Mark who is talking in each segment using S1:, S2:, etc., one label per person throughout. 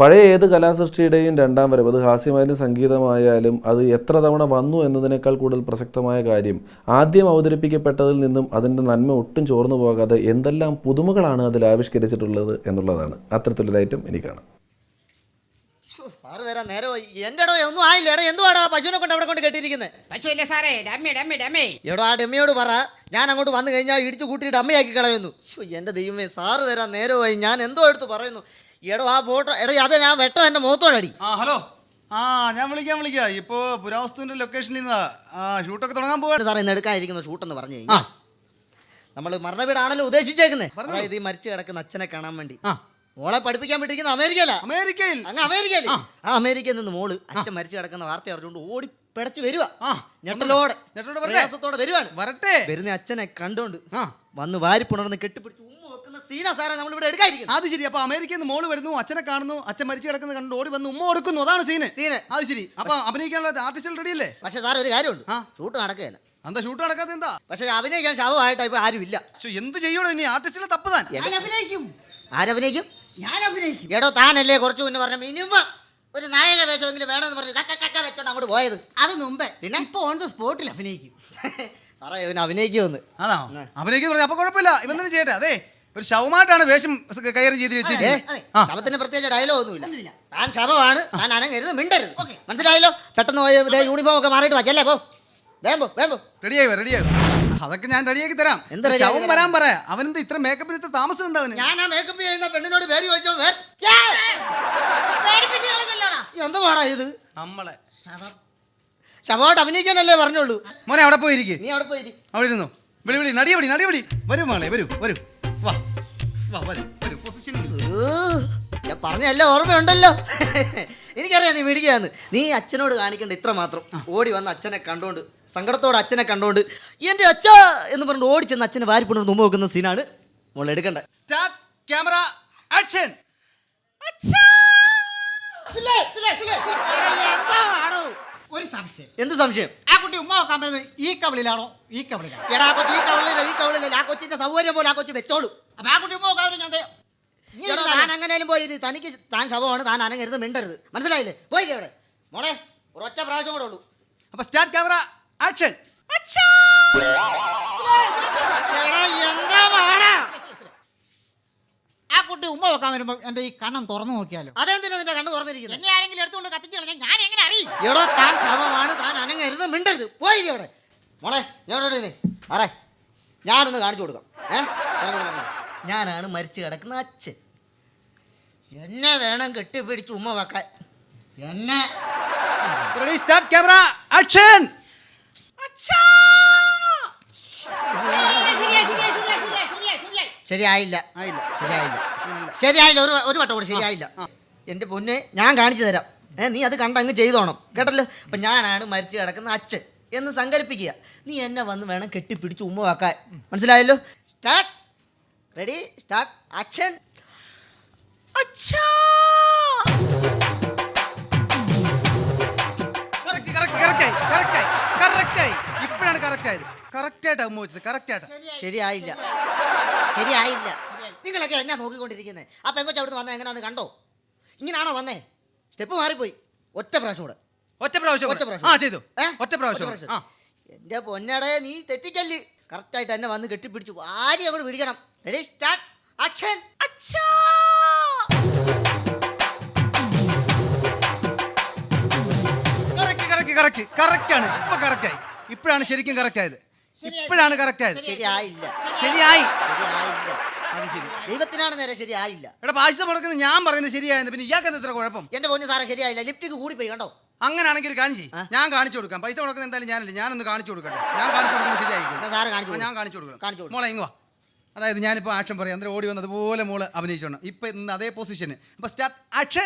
S1: പഴയ ഏത് കലാസൃഷ്ടിയുടെയും രണ്ടാം വരവ്, അത് ഹാസ്യമായാലും സംഗീതമായാലും, അത് എത്ര തവണ വന്നു എന്നതിനേക്കാൾ കൂടുതൽ പ്രസക്തമായ കാര്യം ആദ്യം അവതരിപ്പിക്കപ്പെട്ടതിൽ നിന്നും അതിൻ്റെ നന്മ ഒട്ടും ചോർന്നു പോകാതെ എന്തെല്ലാം പുതുമകളാണ് അതിൽ ആവിഷ്കരിച്ചിട്ടുള്ളത് എന്നുള്ളതാണ്. അത്തരത്തിലൊരു ഐറ്റം എനിക്കാണ്.
S2: സാറ് വരാൻ നേരമായി. എൻ്റെ ഒന്നും ആയില്ല. എന്തുവാടാ പശുവിനെ കൊണ്ട് അവിടെ കൊണ്ട് കെട്ടിയിരിക്കുന്നത്?
S3: പശുവല്ലേ സാറേ, ഡമ്മി.
S2: എടോ ആ ഡമ്മിയോട് പറ, ഞാൻ അങ്ങോട്ട് വന്നു കഴിഞ്ഞാൽ ഇടിച്ചു കൂട്ടിയിട്ട് ഡമ്മിയാക്കി കളയുന്നു. എൻ്റെ ദൈവമേ, സാറ് വരാൻ നേരമായി. ഞാൻ എന്തോ എടുത്ത് പറയുന്നു. എടോ ആ ഫോട്ടോ അത് ഞാൻ വെട്ടോ എൻ്റെ മുഖത്തോടടി.
S4: ഹലോ, ഞാൻ വിളിക്കാം. ഇപ്പോ പുരാവസ്തുവിന്റെ ലൊക്കേഷനിൽ നിന്ന് ഷൂട്ടൊക്കെ തുടങ്ങാൻ പോവാണ്.
S2: സാർ ഇന്ന് എടുക്കാതിരിക്കുന്ന ഷൂട്ടെന്ന് പറഞ്ഞു കഴിഞ്ഞാൽ നമ്മൾ മരണവീടാണല്ലോ ഉദ്ദേശിച്ചേക്കുന്നത്. അതായത് ഈ മരിച്ചു കിടക്കുന്ന അച്ഛനെ കാണാൻ വേണ്ടി മോളെ പഠിപ്പിക്കാൻ വിട്ടിരിക്കുന്ന അമേരിക്കയിൽ ആ അമേരിക്കയിൽ നിന്ന് മോള് അച്ഛൻ മരിച്ചു കിടക്കുന്ന വാർത്ത അറിഞ്ഞുകൊണ്ട് ഓടി പിടച്ച് വരുവാ. ഞെട്ടലോടെ വരുവാണ്. വരുന്ന അച്ഛനെ കണ്ടോണ്ട് വന്ന് വാരിപ്പുണർന്ന് കെട്ടിപ്പിടിച്ച് ഉമ്മ വെക്കുന്ന സീനാ സാറേ നമ്മൾ ഇവിടെ എടുക്കാതിരിക്കുന്നത്.
S4: അത് ശരി. അപ്പൊ അമേരിക്കയിൽ നിന്ന് മോള് വരുന്നു, അച്ഛനെ കാണുന്നു, അച്ഛൻ മരിച്ചു കിടക്കുന്നത് കണ്ട് ഓടി വന്ന് ഉമ്മ കൊടുക്കുന്നു. അതാണ് സീന്. അത് ശരി. അപ്പൊ അഭിനയിക്കാനുള്ള ആർട്ടിസ്റ്റുകൾ റെഡി അല്ലേ?
S2: പക്ഷെ സാർ ഒരു കാര്യമുണ്ട്, ഷൂട്ട് നടക്കുകയല്ല.
S4: എന്താ ഷൂട്ട് നടക്കാത്ത? എന്താ?
S2: പക്ഷെ അഭിനയിക്കാൻ ശവമായിട്ട് ഇപ്പൊ ആരുമില്ല.
S4: എന്ത് ചെയ്യണോ ഇനി? ആർട്ടിസ്റ്റിലെ തപ്പുതാൻ.
S2: ആരഭിനയിക്കും? ഞാൻ അഭിനയിക്കും. എടോ താനല്ലേ കുറച്ചു മുന്നേ പറഞ്ഞ മിനിമം ഒരു നായക വേഷമെങ്കിലും വേണമെന്ന് പറഞ്ഞു കക്ക വെച്ചോണ്ട് അങ്ങോട്ട് പോയത്.
S3: അത് മുമ്പേ. പിന്നെ ഇപ്പൊ ഓൺ ദ സ്പോട്ടിൽ അഭിനയിക്കും.
S2: സാറേ ഇവന് അഭിനയിക്കുമെന്ന്.
S4: അതാ അഭിനയിക്കുന്നു. അപ്പൊ കുഴപ്പമില്ല, ഇവൻ തന്നെ ചെയ്യട്ടെ. അതെ, ഒരു ശവമായിട്ടാണ് വേഷം കൈകാര്യം ചെയ്ത് വെച്ചിരിക്കുന്നത്.
S2: ശവത്തിന് പ്രത്യേകിച്ച് ഡയലോഗ് ഒന്നുമില്ല. താൻ ശവമാണ്, താൻ അനങ്ങരുത്, മിണ്ടരുത്. മനസ്സിലായല്ലോ? പെട്ടെന്ന് പോയി യൂണിഫോം ഒക്കെ മാറിയിട്ട് വച്ചല്ലേ. പോ വേമ്പോ.
S4: റെഡിയായി. അതൊക്കെ ഞാൻ റെഡിയാക്കി തരാം. ശവം വരാൻ പറയാ. അവനെന്താ ഇത്ര മേക്കപ്പിൽ ഇത്ര താമസം എന്താ അവന്?
S2: ഞാൻ ആ മേക്കപ്പ് ചെയ്യുന്ന പെണ്ണിനോട് പേര് ചോദിച്ചോ. എന്താ പാടാ ഇത്?
S4: നമ്മളെ
S2: ശവമായിട്ട് അഭിനയിക്കാനല്ലേ പറഞ്ഞോളൂ.
S4: മോനെ അവിടെ പോയിരിക്കും.
S2: നീ അവിടെ പോയി
S4: അവിടെ ഇരുന്നു. വിളി നടിയപടി. വരൂ മോളെ, വരൂ. വാ
S2: ഞാൻ പറഞ്ഞല്ല, ഓർമ്മയുണ്ടല്ലോ. എനിക്കറിയാം നീ മിടിക്കുകയാന്ന്. നീ അച്ഛനോട് കാണിക്കേണ്ട ഇത്ര മാത്രം. ഓടി വന്ന് അച്ഛനെ കണ്ടോണ്ട്, സങ്കടത്തോടെ അച്ഛനെ കണ്ടോണ്ട് എൻ്റെ അച്ഛ എന്ന് പറഞ്ഞിട്ട് ഓടിച്ചെന്ന് അച്ഛനെ വാരിപ്പുണർന്ന് മുമ്പ് വെക്കുന്ന സീനാണ് മോൾ എടുക്കേണ്ടത്.
S4: Start camera action.
S3: ഒരു സംശയം.
S2: എന്ത് സംശയം?
S3: ആ കുട്ടി ഉമ്മ നോക്കാൻ പറ്റുന്നത് ഈ കവളിലാണോ ഈ കവളിലാണോ?
S2: എടാ ആ കൊച്ചി ഈ കവളില്ല. ആ കൊച്ചിന്റെ സൗകര്യം പോലെ ആ കൊച്ചി വെച്ചോളൂ.
S3: അപ്പൊ ആ കുട്ടി ഉമ്മ നോക്കാൻ
S2: താൻ എങ്ങനെയും പോയി. തനിക്ക് താൻ ശവമാണ്, താൻ അനങ്ങരുത്, മിണ്ടരുത്. മനസ്സിലായില്ലേ? പോയി അവിടെ മോളെ. ഒരൊറ്റ പ്രാവശ്യം കൂടെ ഉള്ളൂ.
S4: അപ്പൊ സ്റ്റാർട്ട് ക്യാമറ ആക്ഷൻ.
S3: ആ കുട്ടി ഉമ്മ നോക്കാൻ വരുമ്പോ എന്റെ ഈ കണ്ണം തുറന്നു നോക്കിയാലോ?
S2: അതെന്തിനാ നിന്റെ കണ്ണ് തുറന്നിരിക്കുന്നത്?
S3: എന്നെ ആരെങ്കിലും എടുത്തുകൊണ്ട് കത്തിച്ചു കളഞ്ഞാൽ ഞാൻ എങ്ങനെ അറിയും?
S2: എടോ താൻ ശവമാണ്, താൻ അനങ്ങരുത്, മിണ്ടരുത്. പോയി അവിടെ മോളെ. ഞാൻ ഞാനൊന്ന് കാണിച്ചു കൊടുക്കാം. ഞാനാണ് മരിച്ചു കിടക്കുന്ന അച്ഛൻ. എന്നെ വേണം കെട്ടിപ്പിടിച്ച് ഉമ്മ വെക്കാൻ. എന്നെ
S4: റെഡി സ്റ്റാർട്ട് ക്യാമറ ആക്ഷൻ.
S2: ശരിയായില്ല. ഒരു വട്ടം കൂടെ ശരിയായില്ല. എൻ്റെ പൊന്നെ, ഞാൻ കാണിച്ചു തരാം. നീ അത് കണ്ടങ്ങ് ചെയ്തോണം, കേട്ടല്ലോ. അപ്പം ഞാനാണ് മരിച്ചു കിടക്കുന്ന അച്ഛൻ എന്ന് സങ്കല്പിക്കുക. നീ എന്നെ വന്ന് വേണം കെട്ടിപ്പിടിച്ച് ഉമ്മ വെക്കാൻ. മനസ്സിലായല്ലോ? സ്റ്റാർട്ട്. Ready start action.
S4: ഇപ്പോഴാണ് കറക്റ്റ് ആയത്. കറക്റ്റായിട്ട് ഉമ്മ വെച്ചത്. കറക്റ്റായിട്ട്.
S2: ശരിയായില്ല. നിങ്ങളൊക്കെ എന്നാ നോക്കിക്കൊണ്ടിരിക്കുന്നത്? ആ പെങ്കൊച്ച അവിടുന്ന് വന്നത് എങ്ങനെയാന്ന് കണ്ടോ? ഇങ്ങനാണോ വന്നേ? സ്റ്റെപ്പ് മാറിപ്പോയി. ഒറ്റ പ്രാവശ്യം കൂടെ.
S4: ചെയ്തു. ഒറ്റ പ്രാവശ്യം.
S2: എന്റെ പൊന്നടേ, നീ തെറ്റിക്കല്ല്. കറക്റ്റായിട്ട് എന്നെ വന്ന് കെട്ടിപ്പിടിച്ചു ആരും അങ്ങോട്ട് പിടിക്കണം. Ready start action.
S4: കറക്റ്റാണ്. ഇപ്പൊ കറക്റ്റായി. ഇപ്പോഴാണ് ശരിക്കും കറക്റ്റ് ആയത്. ശരിയായി. അത് ശരി.
S2: ദൈവത്തിനാണ് നേരെ ശരിയായില്ല.
S4: എടാ പൈസ മുടക്കുന്നത് ഞാൻ പറയുന്നത് ശരിയായിരുന്നു. പിന്നെ ഇയാൾക്ക് എത്ര കുഴപ്പം?
S2: എന്റെ പൊന്നു സാറേ ശരിയായില്ല. ലിപ്റ്റിക്ക് കൂടി പോയി കണ്ടോ?
S4: അങ്ങനെയാണെങ്കിൽ ഒരു കാര്യം ചെയ്യും, ഞാൻ കാണിച്ചു കൊടുക്കാം. പൈസ മുടക്കുന്നത് എന്തായാലും ഞാനല്ലേ, ഞാനൊന്ന് കാണിച്ചു കൊടുക്കട്ടെ. ഞാൻ കാണിച്ചു കൊടുക്കുന്നത് ശരിയായിരിക്കും. ഞാൻ കാണിച്ചു കൊടുക്കണം. മോളെ ഇങ്ങ് വാ. അതായത് ഞാനിപ്പോൾ ആക്ഷൻ പറയാം, അന്നേരം ഓടി വന്ന് അതുപോലെ മോള് അഭിനയിച്ചോണം. ഇപ്പം ഇന്ന് അതേ പൊസിഷന്. അപ്പം സ്റ്റാർട്ട് ആക്ഷൻ.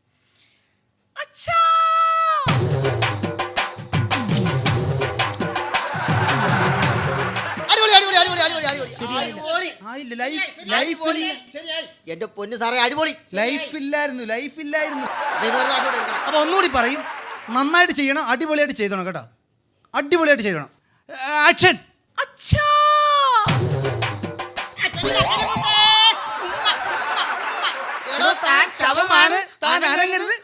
S2: എന്റെ പൊന്നു സാറേ അടിപൊളി.
S4: ലൈഫില്ലായിരുന്നു. അപ്പൊ ഒന്നുകൂടി പറയും, നന്നായിട്ട് ചെയ്യണം, അടിപൊളിയായിട്ട് ചെയ്തോണം കേട്ടോ. അടിപൊളിയായിട്ട് ചെയ്യണം. ആക്ഷൻ.
S2: താൻ ശവമാണ്, താൻ
S4: അനങ്ങരുത്